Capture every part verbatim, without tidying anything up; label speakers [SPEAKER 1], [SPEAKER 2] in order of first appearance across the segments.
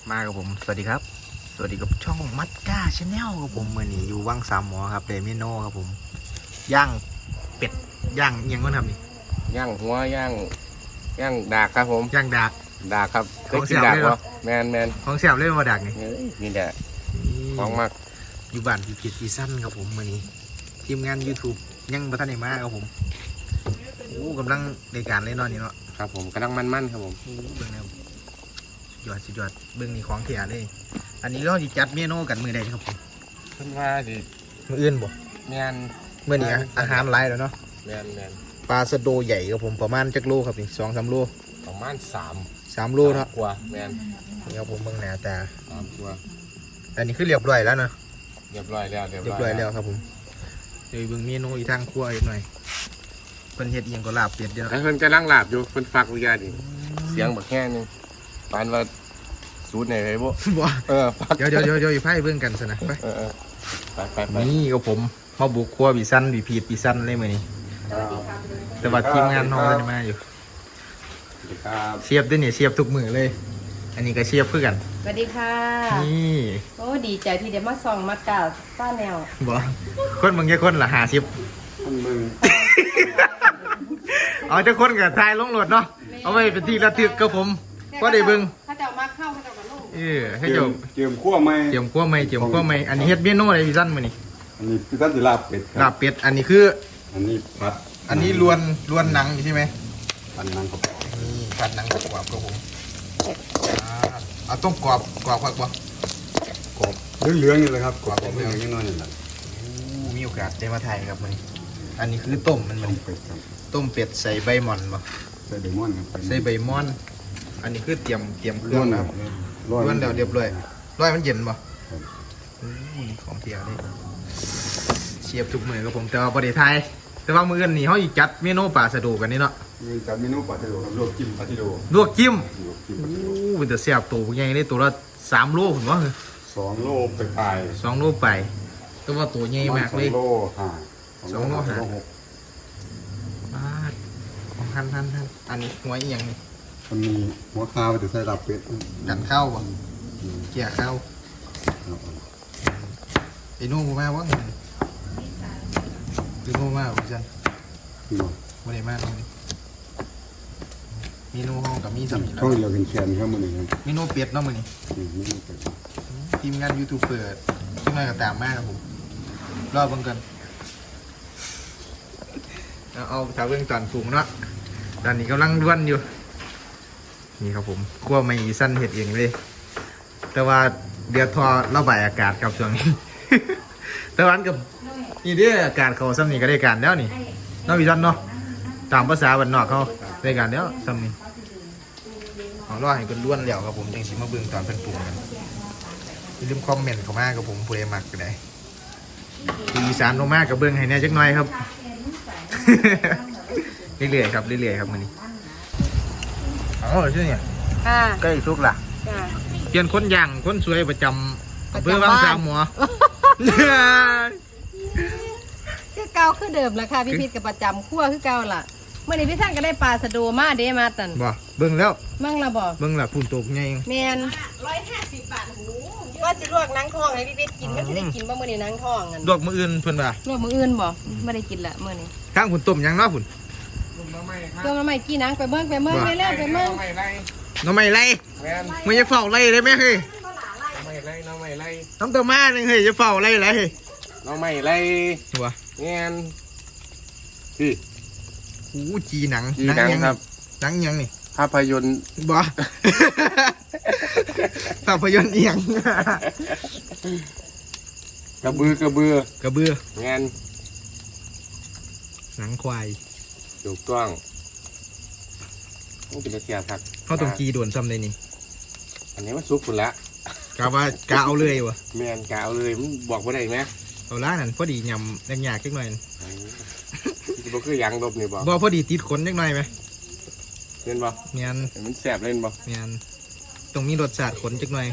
[SPEAKER 1] มากับผมสวัสดีครับสวัสดีกับช่องมัดก้าชาแนลครับผมเมื่อนี้อยู่ว่างสามหมอครับเดมิโนครับผมย่างเป็ดย่างยังก็ทำนี่
[SPEAKER 2] ย่างหัวย่างย่างดากครับผม
[SPEAKER 1] ย่างดาก
[SPEAKER 2] ดากครับเคยกินดากเหรอแมนแมน
[SPEAKER 1] ของแซ่บเลยว่าดากนี่
[SPEAKER 2] นี่แหละของมาก
[SPEAKER 1] อยู่บ้านพี่พีซีซั่นครับผมเมื่อนี้ทีมงาน YouTube ยังบัทันได้มาครับผมโอ้กำลังในการเล่นนอนนี่เนาะ
[SPEAKER 2] ครับผมกำลังมันๆครับผม
[SPEAKER 1] เบื้องแนวยอดสุดยอดเบื้องนี้ของเถียเลยอันนี้เราจะจัดเมนูกันมือใดครับผม
[SPEAKER 2] เพิ่นว่าสิ
[SPEAKER 1] มืออื่นบ่
[SPEAKER 2] แมน
[SPEAKER 1] เมื่อนี้อาหารหลายแล้วเนาะ
[SPEAKER 2] แมนแมน
[SPEAKER 1] ปลาสะโดใหญ่ครับผมประมาณจักโลครับนี่สองสามโล
[SPEAKER 2] ประมาณสาม
[SPEAKER 1] สามโลเนาะ
[SPEAKER 2] กว่าแมน
[SPEAKER 1] นี่ครับผมเบื้องหน้าตา
[SPEAKER 2] สามตัว
[SPEAKER 1] อันนี้คือเรียบร้อยแล้วเนาะ
[SPEAKER 2] เรียบร้อยแล้ว
[SPEAKER 1] เรียบร้อยแล้วครับผมเดี๋ยวเบื้องเมนูอีกทางครัวอีกหน่อยเพิ่นเฮ็ดเอียงก็ลาบเป็ดเดียว
[SPEAKER 2] ไอ้เพิ่นกำลังลาบอยู่เพิ่นฝากวิญญาณดิเสียงบักแค่นึงปานว่าสูตรไหนไอ้บ่
[SPEAKER 1] บ่
[SPEAKER 2] เออ
[SPEAKER 1] เดี๋ยวเดี๋ยวเดี๋ยวเดี๋ยวไพ่เบื้องกันซะนะไป
[SPEAKER 2] เออไปไปไป
[SPEAKER 1] นี่ก็ผมมาบุกครัวปีสั้นปีพีดปีสั้นเลยมื้อนี้แต่ว่าทีมงานน้องจะมาอยู่เสียบด้วยเนี่ยเสียบทุกมือเลยอันนี้ก็เสียบเพื่อกัน
[SPEAKER 3] สวัสดีค่ะ
[SPEAKER 1] นี่
[SPEAKER 3] โอ้ดีใจที่ได้มาส่องมาก่าวป้าแนว
[SPEAKER 1] บ่คนบางแค่คนละหาสิบ
[SPEAKER 2] คนมึง
[SPEAKER 1] เอาจะคนกับทายลงรถเนาะเอาไว้เป็นที่ระทึกกับผมก็ได้เบิ่ง
[SPEAKER 3] ถ้าเจ้ามาเข้าถ้าเจ้ามาลง
[SPEAKER 1] เออให้เจ้า
[SPEAKER 4] เจียมขั้วไหม
[SPEAKER 1] เจียมขั้วไหมเจียมขั้วไหมอันนี้เฮ็ดเมนูอะไรปีสั้นมื้อนี้
[SPEAKER 4] อันนี้พี่ท่านจะลาบเป็ด
[SPEAKER 1] ลาบเป็ดอันนี้คือ
[SPEAKER 4] อันนี้ผัด
[SPEAKER 1] อันนี้ล้วนล้วนหนังใช่ไหม
[SPEAKER 4] ผัดหนังครับ
[SPEAKER 1] นี่ผัดหนังกรอบครับผมเอาต้มกรอบกรอบครับบ่
[SPEAKER 4] กรอบเหลืองๆนี่เลยครับกรอบเหลืองๆนี่น้อยนี่แหละ
[SPEAKER 1] มีโอกาสได้มาถ่ายครับมื้อนี้อันนี้คือต้มมันมัน
[SPEAKER 4] เป็ดครับ
[SPEAKER 1] ต้มเป็ดใส่ใบหม่อนบ่
[SPEAKER 4] ใส่ใบม่อนครับ
[SPEAKER 1] ใส่ใบม่อนอันนี้คือเตรียมเตรียมเครื่องนะครับล้วนแล้วเรียบร้อยร้อยมันเย็นบ่ของเที่ยวนี่เชียบทุกมื้อครับผมแต่ว่าบ่ได้ถ่ายแต่ว่ามื้ออื่นนี่เฮาสิจัดเมนูปลาสะโดกันนี่เนาะ
[SPEAKER 4] มีจัดเมนูปลาทิโดครับลวกจิ้มปลาทิโด
[SPEAKER 1] ลวกจิ้มโอ้เป็นแต่แซ่บตัวใหญ่เลยตัวละสามโลพุ่นว่า
[SPEAKER 4] สองโลไปปลาย
[SPEAKER 1] สองโลไปแต่ว่าตัวใหญ่มากเลย
[SPEAKER 4] สองโลห้า
[SPEAKER 1] สองโลห้าบาทของท่านท่านท่านอันนี้หัวอีหยังนี่
[SPEAKER 4] มันมีหัวข้าวจะใส่ลาบเป็ด
[SPEAKER 1] ดันข้าวบ่เกี่ยข้าวไอ้นู่นมาว่าไอ้นู่นมาพี่จันไม่ได้มาตรงนี้เมนูห้องกับมีสัมผัส
[SPEAKER 4] ช่องเราเป็นแคนครับมันเอง
[SPEAKER 1] เมนูเป็ดเนาะมันนี่ทีมงานยูทูบเปิดทีมงานก็ตามมากครับผมรอบเบิ่งกันเอาชาวเบื้องตอนสูงเนาะตอนนี้กำลังล้วนอยู่นี่ครับผมขั้วไม่สั้นเห็ดเองเลยแต่ว่าเดือดทอระบายอากาศครับช่วงนี้แต่วันกับนี่เด้ออากาศเขาซ้ำนี่ก็ได้การแล้วนี่นอกวิจันเนาะตามภาษาบ้านนอกเขาได้การแล้วซ้ำนี่เอาล่อให้เป็นล้วนแล้วครับผมจังสิมาเบื้องตอนเป็นปรุงกันอย่าลืมคอมเมนต์เข้ามากับผมผู้ใดมักก็ได้อีสานลงมากกับเบื้องให้แน่จักหน่อยครับเรื่อยๆครับเรื่อยๆครับมื้อนี้อ๋อชื่อเนี่ยใกล้สุกล่ะเปลี่ยนคนย่างคนสวยประจำอำเภอวังสามหมอ
[SPEAKER 3] คือเก่าคือเดิมแหละค่ะพี่พิษกับประจำขั้วคือเก่าล่ะเมื่อนี้พี่ท่านก็ได้ปลาสะโดมาเด้มาตัน
[SPEAKER 1] บ่เบิ่งแล้ว
[SPEAKER 3] มั่งละบ่
[SPEAKER 1] เบิ่งละพุ่นตกไง
[SPEAKER 3] แมนร้อยห้าสิบบาทหูว่าสิลวกนังทองให้พี่พิษกินมันสิได้กินบ่มื้อนี้นังทองกัน
[SPEAKER 1] ลวกมื้ออื่นเพิ่นว่า
[SPEAKER 3] ลวกมื้ออื่นบ่ไม่ได้กินละมื้อนี้
[SPEAKER 1] ข้างพุ่นต้มยังเนาะพุ่น
[SPEAKER 3] ต้มน้ำไม่กี่นังไปเบิ่งไปเบิ่งเรื่อยๆไปเบิ่ง
[SPEAKER 1] น้ำไม่ไรไม่จะเฝ้าไรเลยไหมเฮ้ย
[SPEAKER 2] น้ำไม่ไรน้ำไม่ไร
[SPEAKER 1] น้ำตัวมาหนึ่งเฮ้ยจะเฝ้าไรไร
[SPEAKER 2] น้ำไม่ไร
[SPEAKER 1] วะ
[SPEAKER 2] เงี้ยพี่
[SPEAKER 1] หูจีหนัง
[SPEAKER 2] หนังครับ
[SPEAKER 1] หนังยังนี่
[SPEAKER 2] ภาพยนตร์
[SPEAKER 1] บ่ภาพยนตร์เอียง
[SPEAKER 2] กระบือกระบือก
[SPEAKER 1] ระบือ
[SPEAKER 2] เงี้ย
[SPEAKER 1] หนังควาย
[SPEAKER 2] ถูกต้องต้องเป็นเสียครับ
[SPEAKER 1] เขาต้องจีด่วนซ้ำเลยนี่
[SPEAKER 2] อันนี้มันซุกคุณละ
[SPEAKER 1] กะว่ากะเอาเลยวะ
[SPEAKER 2] แมนกะเอาเลยมันบอกว่าได้ไหม
[SPEAKER 1] เอาละนั่นพอดียำแรงยากจังหน่อย
[SPEAKER 2] บอกคือยังลบนี่บอก
[SPEAKER 1] บอกพอดีติดขนจังหน่อยไหม
[SPEAKER 2] เล่นบ่
[SPEAKER 1] เมียน
[SPEAKER 2] มันแสบเล่นบ่
[SPEAKER 1] เมียนต้องมีรสชาติขนจังหน่อย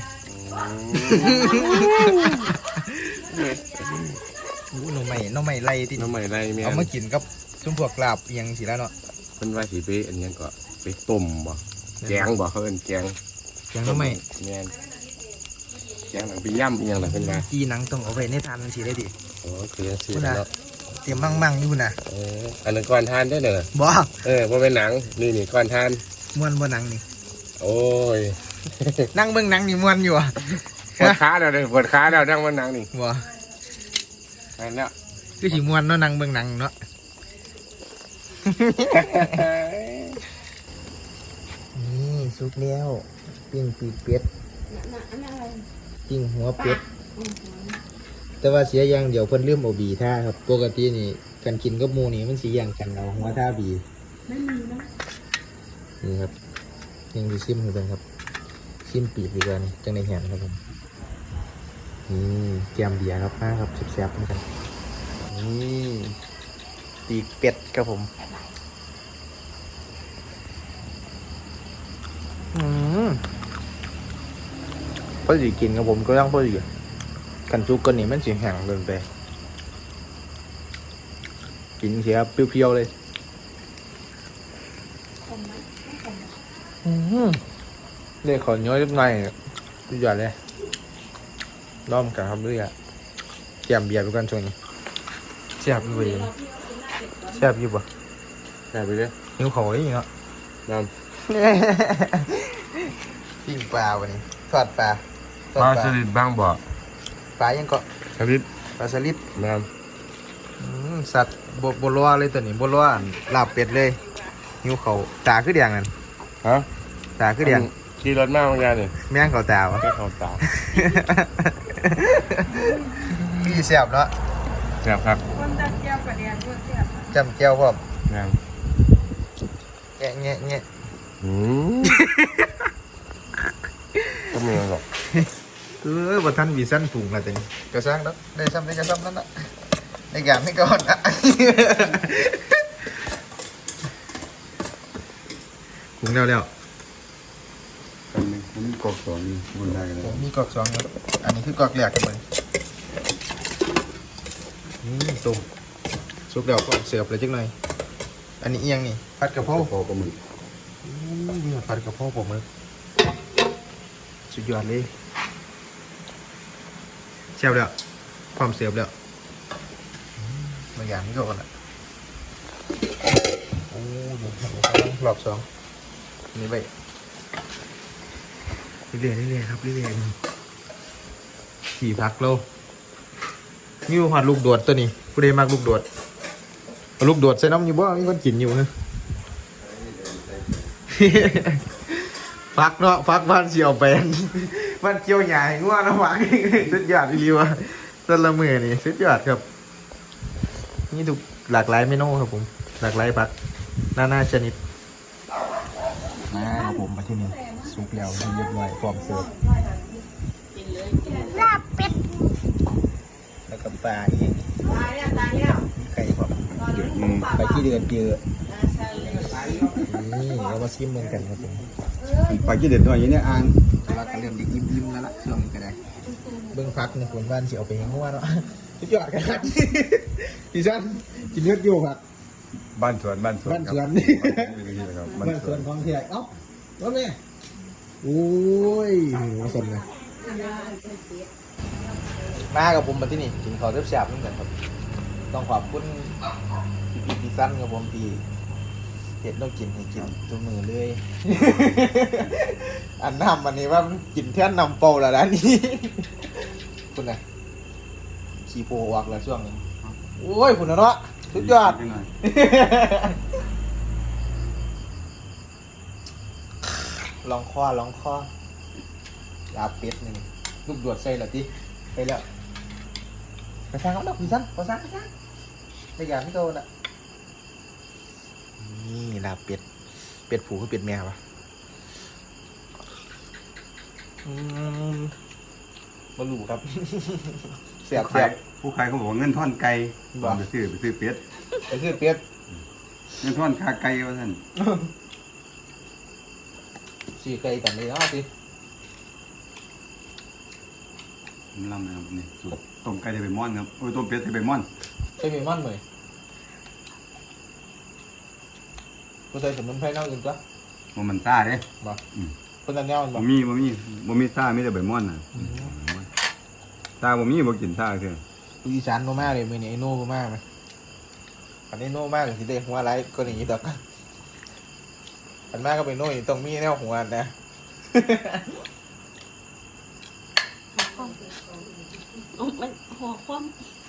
[SPEAKER 1] โอ้น้องใหม่น้องใหม่ไรที่
[SPEAKER 2] น้องใหม่ไรเมียน
[SPEAKER 1] เอามากินกับซุปพวกลาบยังสิแล้วเนาะ
[SPEAKER 2] เป็นว่าสีเป๊ะอันนี้ก็ไปต้มบ่แกงบ่เขาเป็นแกง
[SPEAKER 1] แกงน้องใหม่
[SPEAKER 2] เมียนเสียงหนังไปย่ำอีกอย่างหนังเป็นมา
[SPEAKER 1] จีหนังต้องเอาไว้ในทานมันสีได้ดิ
[SPEAKER 2] โอ้คือสิ
[SPEAKER 1] คุณนะ
[SPEAKER 2] เนาะ
[SPEAKER 1] เตรียมมั่งมั่งๆอยู่นะ
[SPEAKER 2] เอออันนั้นก้อนทานได้เนอะ
[SPEAKER 1] บ่
[SPEAKER 2] เออว่าเป็นหนังนี่นี่ก้อนทาน
[SPEAKER 1] ม้วนบ่หนังนี่
[SPEAKER 2] โอ้ย
[SPEAKER 1] นั่งเบิ่งหนังนี่ม้วนอยู่อ่ะ
[SPEAKER 2] ปวดขาแล้วเลยปวดขาแล้วนั่งว่าหนังนี่
[SPEAKER 1] บ่
[SPEAKER 2] อันเนี้ย
[SPEAKER 1] คือสิม้วนเนาะนั่งเบิ่งหนังเนาะนี่สุกแล้วปิ้งปีกเป็ดปิ้งหัวเป็ดแต่ว่าเสียอย่างเดี๋ยวเพิ่นลืมเอาบีท่าครับปกตินี่กันกินกับหมูนี่มันสิอย่างกันเอาหัวท่าบีไม่มีนะนี่ครับยังดีซิมให้เบิ่งครับซิมปีกดีกว่านี่จังในแหนครับผมนี่แกมเบียร์ครับมาครับแซ่บๆเหมือนกันนี่ปีกเป็ดครับผมอืมพอดีกินครับผมก็ยังพอดีกันจุกกันนี่มันสีแห้งเกินไปกินเสียเปรี้ยวๆเลยอืมเรียกขอย้อยนิดหน่อยสุดยอดเลยล้อมกันครับเรื่อยแกมเบียร์ไปกันช่วงนี้แซ่บอยู่บ่แซ่บอยู่บ่
[SPEAKER 2] ได้ไปเลย
[SPEAKER 1] หิวเขาอีกเนาะ
[SPEAKER 2] น้
[SPEAKER 1] ปิ้งปลาวันนี้ทอดปลาท
[SPEAKER 2] ำ
[SPEAKER 1] อด
[SPEAKER 2] ปลา
[SPEAKER 1] ปลา
[SPEAKER 2] สลิดบ้างบ่
[SPEAKER 1] ปลายังเกาะ
[SPEAKER 2] สลิด
[SPEAKER 1] ปลาสลิด
[SPEAKER 2] น้
[SPEAKER 1] อืมสัตว์บบบรัวเลยตัวนี้บรัวลาบเป็ดเลยหิวเขาตาคือแดงนั่น
[SPEAKER 2] ำฮะ
[SPEAKER 1] ตาคือแดง
[SPEAKER 2] ขี่รถมาบางอย่างนี่
[SPEAKER 1] แม่งเขาตาวะ
[SPEAKER 2] ไม่เข้าตา
[SPEAKER 1] พี่แซ่บเนาะ
[SPEAKER 2] แซ่บครับ
[SPEAKER 1] จำแก้วพร้อม
[SPEAKER 2] น้
[SPEAKER 1] แงะแงะแงะ
[SPEAKER 2] ำอืมก็มีหรอก
[SPEAKER 1] เออบ่ทันวีสั้นถุงละตัวนี้กระซังแล้วได้ซ้ำได้กระซ้ำนั่นละในการให้ก่อนนะถุงแล้วแล้ว
[SPEAKER 4] กันนึงผมกอกสองนี่บนได้กันแล้ว
[SPEAKER 1] มีกอกสองครับอันนี้คือกอกแรกกันเลยนี่ตุ่มซุปเดี๋ยวก็เสิร์ฟเลยจังหน่อยอันนี้เอียงนี่ผัดกะเพรา
[SPEAKER 4] พอก็มือ
[SPEAKER 1] อู้มีผัดกะเพราผมเลยสุดยอดเลยเชียบแล้วพร้อมเสิร์ฟแล้วอืมบางอย่างนี่ก็ก่อนละโอ้ยรอบสองนี่ไปเรื่อยๆเรื่อยๆครับเรื่อยๆขี่พักโลนี่ผัดลูกโดดตัวนี้ผู้ใดมักลูกโดดเอาลูกโดดใส่น้ำอยู่บ่มีคนกินอยู่นะ ฟักเนาะฟักบ้านเชียวเป็นบ้านเชียวใหญ่ง่วงนะฟักสุดยอดอีหลีวะต้นละมือนี่สุดยอดครับนี่ถูกหลากหลายเมนูครับผมหลากหลายผักนานาชนิดมาครับผมมาที่นี่สุกแล้วเรียบร้อยพร้อมเสิร์ฟลาบเป็ดแล้วก็ปลาอีก
[SPEAKER 3] ตายแล้วตายแล้ว
[SPEAKER 1] มีไข่พร้อม
[SPEAKER 4] เดือดอืม
[SPEAKER 1] ไปที่เดือดเยอะนี่เรามาชิมกันกันครับผม
[SPEAKER 4] ปลาขี้เด็ดหน่อยอย่างนี้อ่าง
[SPEAKER 1] แต่ว่าก็เริ่มดิอิ่มๆแล้วล่ะช่วงนี้ก็ได้เบิ้งพักในคนบ้านสิเอาไปให้ง่วงเนาะสุดยอดกันครับพี่ชันกินเลือดอยู่ครับ
[SPEAKER 4] บ้านสวนบ้านสวน
[SPEAKER 1] บ้านสวน
[SPEAKER 4] นี่ครับบ้าน
[SPEAKER 1] บ้าน
[SPEAKER 4] ส
[SPEAKER 1] ส
[SPEAKER 4] ว
[SPEAKER 1] วน นของเทียเอ้าว่าแม่โอ้ยหัวสนเลยมากับผมมาที่นี่กินข้าวแซ่บๆเหมือนกันครับต้องขอบคุณพี่พี่สั้นกับผมพี่เห็ดต้องกินให้กินตัวมือเลย อันน้ำอันนี้ว่ามันกินแท่นนำเป่าแล้วนะนี่คุณนะขี้โพออกแล้วช่วงนี้โอ้ยคุณนะเนาะสุดยอด
[SPEAKER 4] หน่อย
[SPEAKER 1] ลองข้อลองข้อลาเป็ดหนึ่งลูกดวดใส่ละทีไปแล้วไปสร้างเอาดอกพี่สั้นไปสร้างไปสร้างในอย่างที่โตน่ะนี่ลาเป็ดเป็ดผูคือเป็ดแมวปะอืมมาลูครับ เสียบ
[SPEAKER 4] ผู้
[SPEAKER 1] เสี
[SPEAKER 4] ขาย
[SPEAKER 1] บ
[SPEAKER 4] ผู้ขายเขาบอกว่าเงินท่อนไก่
[SPEAKER 1] บ่
[SPEAKER 4] ไปซื้อไปซื้อเป็ด
[SPEAKER 1] ไปคือเป็ด
[SPEAKER 4] เงินท่อนค่าไก่ว่าท่าน
[SPEAKER 1] สี่ไก่กันเลยเนาะสิ
[SPEAKER 4] ผมลำนะครับนี่สูตรต้มไก่จะไปม่อนครับโอ้ยต้มเป็ดจะไปม่อน
[SPEAKER 1] ใช่ไหมมันเหมยกูใส่สมุนไพรเน่าอื่นก็
[SPEAKER 4] ว่ามันซ่าเด้
[SPEAKER 1] บ่
[SPEAKER 4] อืม
[SPEAKER 1] คนละแนวมัน
[SPEAKER 4] บ่
[SPEAKER 1] บ่
[SPEAKER 4] มีบ่มีบ่มีซ่ามีแต่ใบม่อนน่ะ
[SPEAKER 1] อืม
[SPEAKER 4] ตาบ่มีบ่กินตาเถอะ
[SPEAKER 1] อีสานโนมาเลยมือนี้ไอโน่มากไหมอันนี้โน่มากสิเด้หัวไรก็อย่างนี้ดอกอันมากก็เป็นโน่ต้องมีแนวหัวนะ
[SPEAKER 5] มันหัวคว่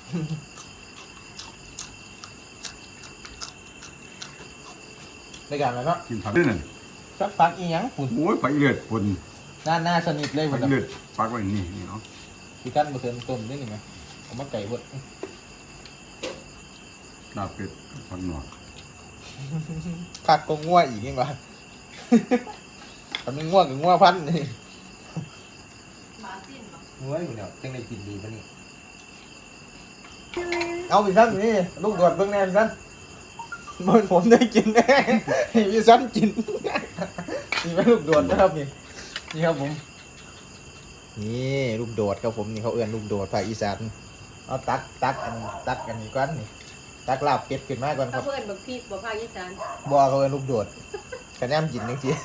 [SPEAKER 1] ในการแล้วเนาะ
[SPEAKER 4] กินผักด้วยนั่น
[SPEAKER 1] สักพักอีหยังฝุ่น
[SPEAKER 4] โอ้ยผักเลือดปุ่น
[SPEAKER 1] หน้าหน้าสนิทเลยหม
[SPEAKER 4] ผั
[SPEAKER 1] ด
[SPEAKER 4] ก
[SPEAKER 1] แล้ว
[SPEAKER 4] เลือดปักไว้นี่นี่เนาะ
[SPEAKER 1] พี่กั้นมาเติมต้มได้หนึ่งไหมผมมาไก่บด
[SPEAKER 4] ลาบเป็ดผักหนวก
[SPEAKER 1] ผักก็ง่วอีกยังวะ ทำเป็นง่วกับง่วพันนี่
[SPEAKER 3] หมาสิ้นบ่
[SPEAKER 1] ง่วอยู่เนี่ยจังได้กินดีปะนี่เอาพี่สั้นนี่ลูกดวดเบิ่งแน่พี่สั้นบนผมได้กินแน่ให้พี่สั้นกิน นี่เป็นลูกโดดนะครับนี่นี่ครับผมนี่ลูกโดดครับผมนี่เขาเอื้อนลูกโดดภาคอีสานเอาตักตักอันตักอันนี้ก่อนนี่ตักลาบเป็ดขึ้นมาก่อนค
[SPEAKER 3] ถ้า
[SPEAKER 1] รับ
[SPEAKER 3] เพื่อนบักพริกบ่ภาคอีสาน
[SPEAKER 1] บัวเขาเอื้อนลูกโดดกระแนมกินจริงๆ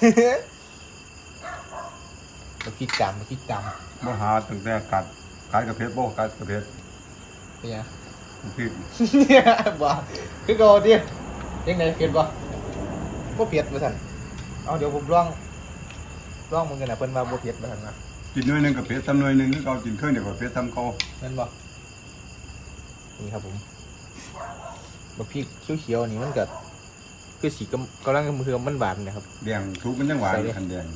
[SPEAKER 1] มาคิดจำมาคิดจ
[SPEAKER 4] บ่หาตั้งแต่กัดกัดกระเพชรบ่กัดกระเพชร
[SPEAKER 1] ำเป็นไง
[SPEAKER 4] พริก
[SPEAKER 1] เนี่ยบ่คือโกดิยังไงเผ็ดบ่บ่เผ็ดมาสั่นเอาเดี๋ยวผมลองลองมึงกันนะเพิ่นว่าบ่เผ็ดมาสั่นนะ
[SPEAKER 4] กินหน่วยหนึงกระเพชรทำหน่วยหนึงคือเขากินเครื่องเดียวกับกระเพชรทำเขา
[SPEAKER 1] แม่นบ่นี่ครับผมบักพริกเขียวๆนี่มันก็คือสีกำกำลังมือมันหวานนะครับ
[SPEAKER 4] แดงทุกมันยังหวาน
[SPEAKER 1] ใส่ดิ
[SPEAKER 4] คันแดง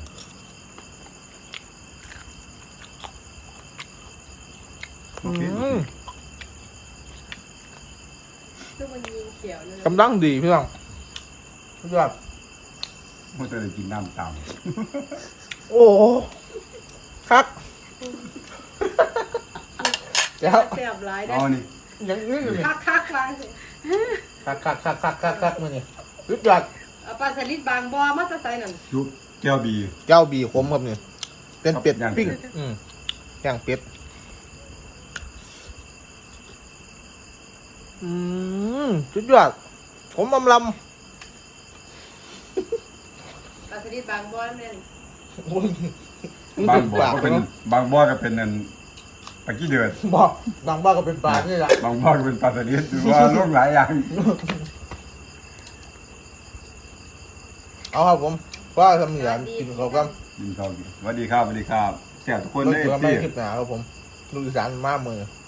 [SPEAKER 4] โอเค
[SPEAKER 1] อืม
[SPEAKER 3] คือมันยิงเขียวเลย
[SPEAKER 1] กำลังดีพี่น้องสุดยอด
[SPEAKER 4] มันจะได้กินน้ำตาม
[SPEAKER 1] โอ้โหครับเดี๋ยว
[SPEAKER 3] แซ่บหลายได้
[SPEAKER 4] เอานี่
[SPEAKER 1] ยังอื้ออยู่นี่
[SPEAKER 3] คักคักๆว่าสิ
[SPEAKER 1] คักคักคักคักคักคักมือนี่สุดยอด
[SPEAKER 3] เอาปลาสลิดบางบ่อมาแตะไซนั่น
[SPEAKER 4] ยุบแก้วบี
[SPEAKER 1] เจ้าบีขมครับนี่เป็นเป็ด
[SPEAKER 4] ย่างเป็ด
[SPEAKER 1] ปิ้งอืมย่างเป็ดอืมสุดยอดผมอำล
[SPEAKER 3] ปลาสลิดบางบ่อนั่น
[SPEAKER 1] ำโอ้ย
[SPEAKER 4] บางบ่อ
[SPEAKER 1] ปาก
[SPEAKER 4] ก็เป็น
[SPEAKER 1] เนาะ
[SPEAKER 4] บางบ่อก็เป็นนั่นปลากี้เดือด
[SPEAKER 1] บอกบางบ้านก็เป็นปลานี่แหละ
[SPEAKER 4] บางบ่อก็เป็นปลาสลิดหรือว่าโรคหลายอย่าง
[SPEAKER 1] เอาครับผมว่าทำเหนือกินเขาก็
[SPEAKER 4] กินข้าวกินสวัสดีครับสวัสดีครับแซ่บทุกคน
[SPEAKER 1] เลิ
[SPEAKER 4] ได้
[SPEAKER 1] กเจอ
[SPEAKER 4] สิ
[SPEAKER 1] ไม่คลิปหนาครับผมลูกอีสานมากมือ